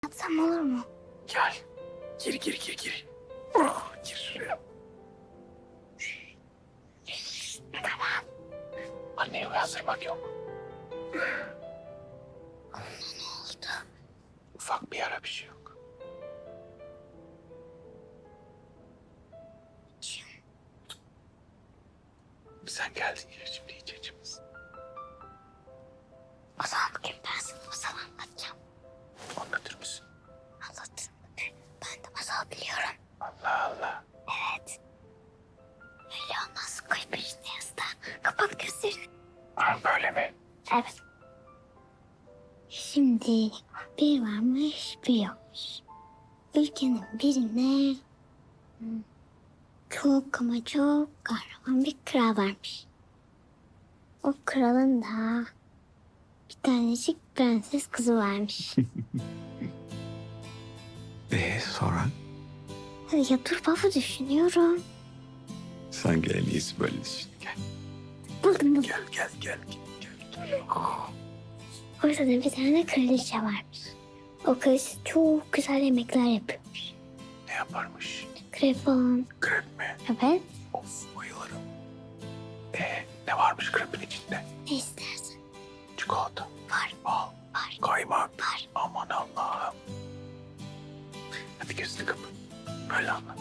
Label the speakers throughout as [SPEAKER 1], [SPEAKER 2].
[SPEAKER 1] Yatsam olur mu?
[SPEAKER 2] Gel. Gir. Oh, gir şuraya.
[SPEAKER 1] Tamam.
[SPEAKER 2] Anneyi uyandırmak yok.
[SPEAKER 1] Ne oldu?
[SPEAKER 2] Ufak bir yara, bir şey yok. Sen geldin ya, şimdi hiç acımız.
[SPEAKER 1] O zaman bugün ben sana masal anlatacağım.
[SPEAKER 2] Anlatır mısın?
[SPEAKER 1] Anlatırım. Ben de masal biliyorum.
[SPEAKER 2] Allah Allah.
[SPEAKER 1] Evet. Öyle olmaz. Koy peşine yastığa. Kapat gözlerini.
[SPEAKER 2] Ha, böyle mi?
[SPEAKER 1] Evet. Şimdi bir varmış bir yokmuş. Ülkenin birine çok ama çok kahraman bir kral varmış. O kralın da bir tanecik prenses kızı varmış.
[SPEAKER 2] Sonra?
[SPEAKER 1] Ya dur baba düşünüyorum.
[SPEAKER 2] Sen gel, en iyisi böyle düşün. Gel.
[SPEAKER 1] Buldum.
[SPEAKER 2] Gel.
[SPEAKER 1] Ortada bir tane kraliçe varmış. O kraliçe çok güzel yemekler yapıyormuş.
[SPEAKER 2] Ne yaparmış?
[SPEAKER 1] Krepon.
[SPEAKER 2] Krep mi?
[SPEAKER 1] Evet.
[SPEAKER 2] Of, bayılırım. Ne varmış krepin içinde?
[SPEAKER 1] Ne istersen.
[SPEAKER 2] Çikolata,
[SPEAKER 1] Var.
[SPEAKER 2] bal,
[SPEAKER 1] Var.
[SPEAKER 2] kaymak.
[SPEAKER 1] Var.
[SPEAKER 2] Aman Allah'ım. Hadi gözünü kapat. Böyle anlat.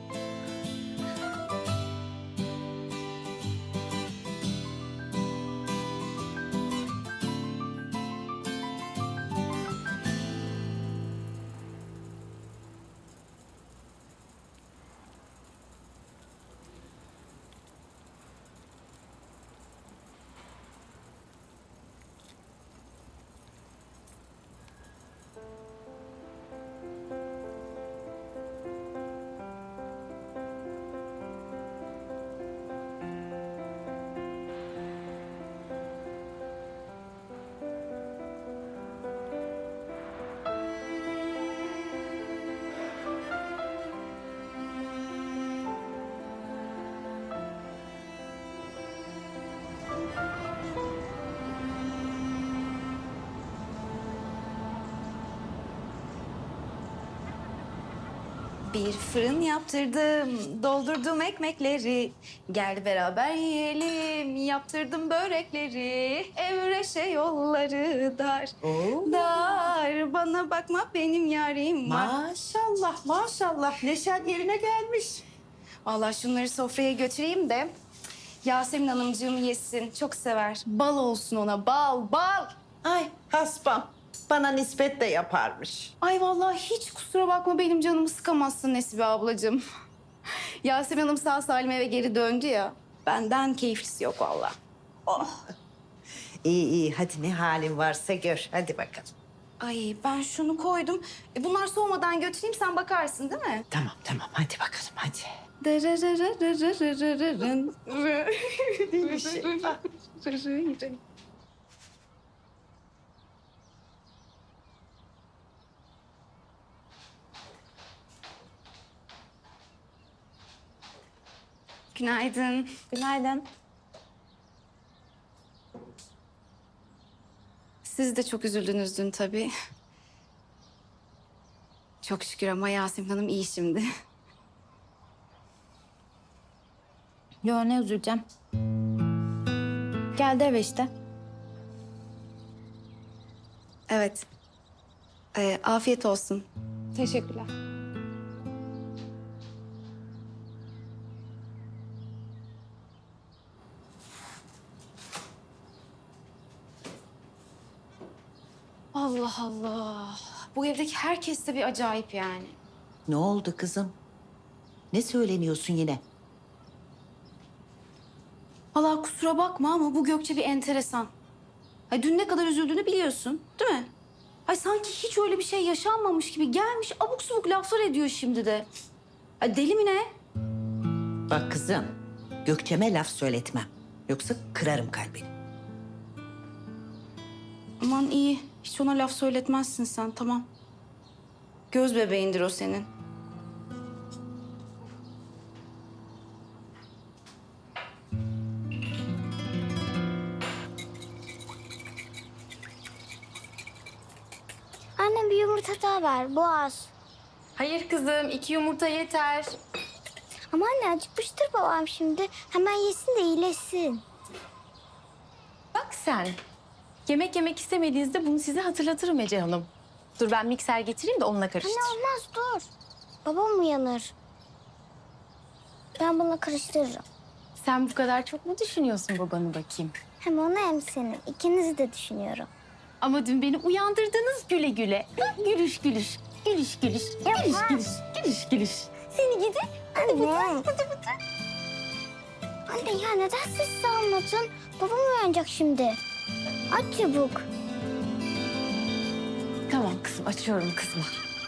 [SPEAKER 3] Bir fırın yaptırdım, doldurdum ekmekleri. Gel beraber yiyelim, yaptırdım börekleri. Evreşe yolları dar, dar. Bana bakma benim yarim var.
[SPEAKER 4] Maşallah maşallah neşen yerine gelmiş.
[SPEAKER 3] Vallahi şunları sofraya götüreyim de Yasemin Hanımcığım yesin. Çok sever. Bal olsun ona, bal, bal.
[SPEAKER 4] Ay haspam bana nispet de yaparmış.
[SPEAKER 3] Ay vallahi hiç kusura bakma benim canımı sıkamazsın Nesibe ablacığım. Yasemin Hanım sağ salim eve geri döndü ya. Benden keyiflisi yok vallahi.
[SPEAKER 4] İyi hadi ne halin varsa gör hadi bakalım.
[SPEAKER 3] Ay ben şunu koydum. Bunlar soğumadan götüreyim sen bakarsın değil mi?
[SPEAKER 4] Tamam hadi bakalım hadi.
[SPEAKER 3] Günaydın.
[SPEAKER 5] Günaydın.
[SPEAKER 3] Siz de çok üzüldünüz dün tabii. Çok şükür ama Yasemin Hanım iyi şimdi.
[SPEAKER 5] Yo ne üzüleceğim. Geldi eve işte.
[SPEAKER 3] Evet. Afiyet olsun.
[SPEAKER 5] Teşekkürler.
[SPEAKER 3] Allah Allah. Bu evdeki herkes de bir acayip yani.
[SPEAKER 4] Ne oldu kızım? Ne söyleniyorsun yine?
[SPEAKER 3] Vallahi kusura bakma ama bu Gökçe bir enteresan. Ay dün ne kadar üzüldüğünü biliyorsun, değil mi? Ay sanki hiç öyle bir şey yaşanmamış gibi gelmiş abuk subuk laflar ediyor şimdi de. Ay deli mi ne?
[SPEAKER 4] Bak kızım Gökçe'me laf söyletmem. Yoksa kırarım kalbini.
[SPEAKER 3] Aman iyi. Hiç ona laf söyletmezsin sen, tamam. Göz bebeğindir o senin.
[SPEAKER 1] Annem bir yumurta daha daha ver, boğaz.
[SPEAKER 5] Hayır kızım, 2 yumurta yeter.
[SPEAKER 1] Ama anne acıkmıştır babam şimdi. Hemen yesin de iyileşsin.
[SPEAKER 5] Bak sen. Yemek istemediğinizde bunu size hatırlatırım Ece Hanım. Dur ben mikser getireyim de onunla karıştır.
[SPEAKER 1] Anne olmaz dur. Babam uyanır. Ben bunu karıştırırım.
[SPEAKER 5] Sen bu kadar çok mu düşünüyorsun babanı bakayım?
[SPEAKER 1] Hem onu hem seni. İkinizi de düşünüyorum.
[SPEAKER 5] Ama dün beni uyandırdınız güle güle. Gülüş gülüş. Gülüş gülüş. Gülüş gülüş. Gülüş gülüş.
[SPEAKER 1] Seni gidi. Anne. Anne ya neden sessiz almadın? Babam uyanacak şimdi. Aç çabuk.
[SPEAKER 5] Tamam kızım, açıyorum kızıma.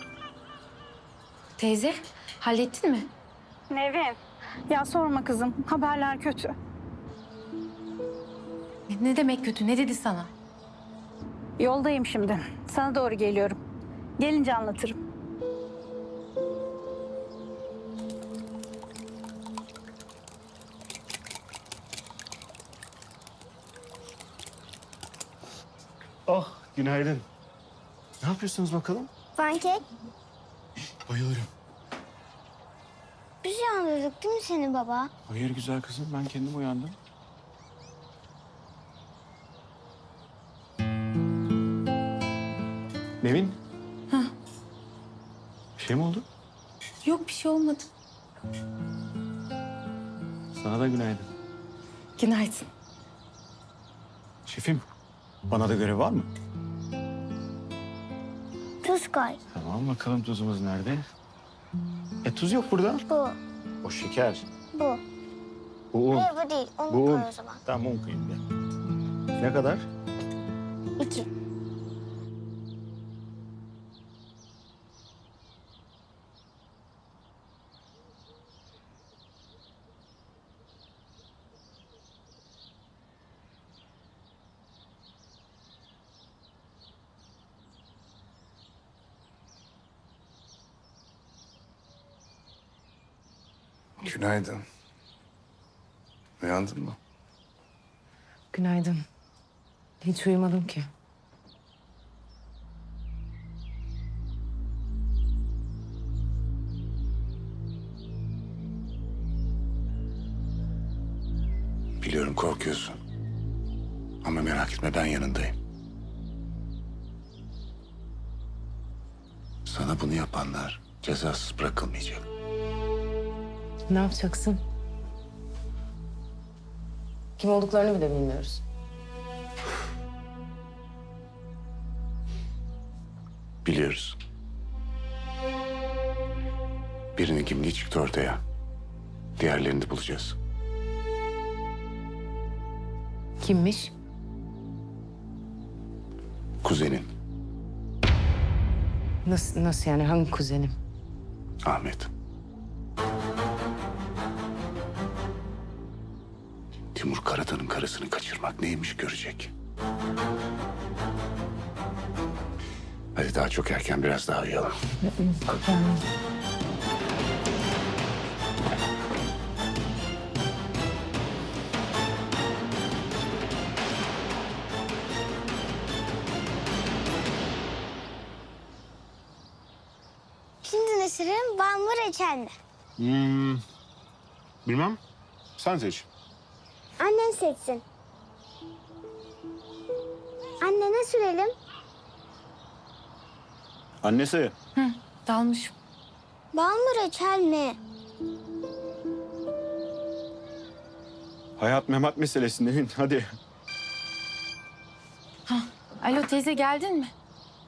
[SPEAKER 5] Teyze, hallettin mi?
[SPEAKER 6] Nevin, ya sorma kızım. Haberler kötü.
[SPEAKER 5] Ne demek kötü? Ne dedi sana?
[SPEAKER 6] Yoldayım şimdi. Sana doğru geliyorum. Gelince anlatırım.
[SPEAKER 2] Oh, günaydın. Ne yapıyorsunuz bakalım?
[SPEAKER 1] Pankek.
[SPEAKER 2] Bayılırım.
[SPEAKER 1] Biz uyandırdık değil mi seni baba?
[SPEAKER 2] Hayır güzel kızım, ben kendim uyandım. Nevin. Bir şey mi oldu?
[SPEAKER 5] Yok bir şey olmadı.
[SPEAKER 2] Sana da günaydın.
[SPEAKER 5] Günaydın.
[SPEAKER 2] Şefim, bana da görev var mı?
[SPEAKER 1] Tuz koy.
[SPEAKER 2] Tamam, bakalım tuzumuz nerede? Tuz yok burada.
[SPEAKER 1] Bu.
[SPEAKER 2] O şeker.
[SPEAKER 1] Bu.
[SPEAKER 2] Bu un.
[SPEAKER 1] Hayır bu değil. Onu
[SPEAKER 2] Bu
[SPEAKER 1] koy
[SPEAKER 2] un.
[SPEAKER 1] o zaman.
[SPEAKER 2] Tamam, un koyayım ben. Ne kadar?
[SPEAKER 1] 2.
[SPEAKER 7] Günaydın. Uyandın mı?
[SPEAKER 5] Günaydın. Hiç uyumadım ki.
[SPEAKER 7] Biliyorum korkuyorsun. Ama merak etme ben yanındayım. Sana bunu yapanlar cezasız bırakılmayacak.
[SPEAKER 5] Ne yapacaksın? Kim olduklarını bile bilmiyoruz.
[SPEAKER 7] Biliyoruz. Birinin kimliği çıktı ortaya. Diğerlerini de bulacağız.
[SPEAKER 5] Kimmiş?
[SPEAKER 7] Kuzenin
[SPEAKER 5] Nasıl yani? Hangi kuzenim?
[SPEAKER 7] Ahmet. Timur Karatan'ın karısını kaçırmak neymiş görecek. Hadi daha çok erken biraz daha uyuyalım.
[SPEAKER 1] Şimdi ne sürelim? Bal mı reçel mi?
[SPEAKER 2] Bilmem. Sen seç.
[SPEAKER 1] Annen seçsin. Anne ne sürelim?
[SPEAKER 2] Annesi.
[SPEAKER 5] Dalmış.
[SPEAKER 1] Bal mı reçel mi?
[SPEAKER 2] Hayat memat meselesi Nevin. Hadi.
[SPEAKER 5] Alo teyze geldin mi?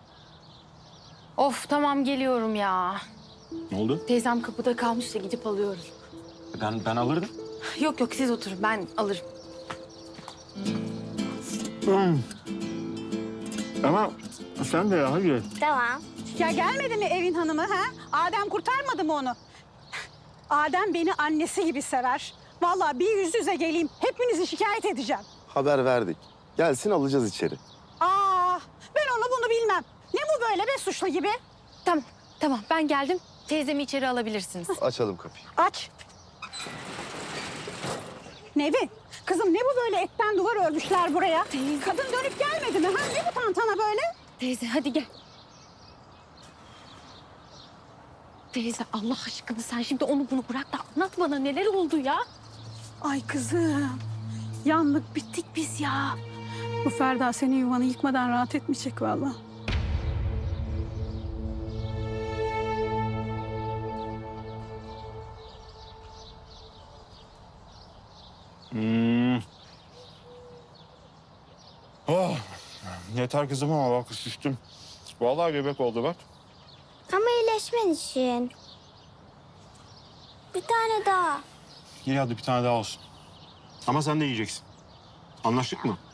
[SPEAKER 5] Of tamam geliyorum ya.
[SPEAKER 2] Ne oldu?
[SPEAKER 5] Teyzem kapıda kalmış da gidip alıyorum.
[SPEAKER 2] Ben alırdım.
[SPEAKER 5] Yok siz oturun ben alırım.
[SPEAKER 2] Ama sen de ya hadi.
[SPEAKER 1] Tamam.
[SPEAKER 6] Ya gelmedi mi evin hanımı ha? Adem kurtarmadı mı onu? Adem beni annesi gibi sever. Vallahi bir yüz yüze geleyim. Hepinizi şikayet edeceğim.
[SPEAKER 8] Haber verdik. Gelsin alacağız içeri.
[SPEAKER 6] Ben onu bunu bilmem. Ne bu böyle be suçlu gibi?
[SPEAKER 5] Tamam ben geldim. Teyzemi içeri alabilirsiniz.
[SPEAKER 8] Açalım kapıyı.
[SPEAKER 6] Aç. Nevin, kızım ne bu böyle etten duvar örmüşler buraya? Kadın dönüp gelmedi mi? Ha? Ne bu tantana böyle?
[SPEAKER 5] Teyze hadi gel. Teyze Allah aşkına sen şimdi onu bunu bırak da anlat bana neler oldu ya?
[SPEAKER 6] Ay kızım. Yandık bittik biz ya. Bu Ferda senin yuvanı yıkmadan rahat etmeyecek vallahi.
[SPEAKER 9] Oh, yeter kızım ama bak şiştim. Vallahi göbek oldu bak.
[SPEAKER 1] Ama iyileşmen için. Bir tane daha.
[SPEAKER 9] İyi hadi bir tane daha olsun. Ama sen de yiyeceksin. Anlaştık mı?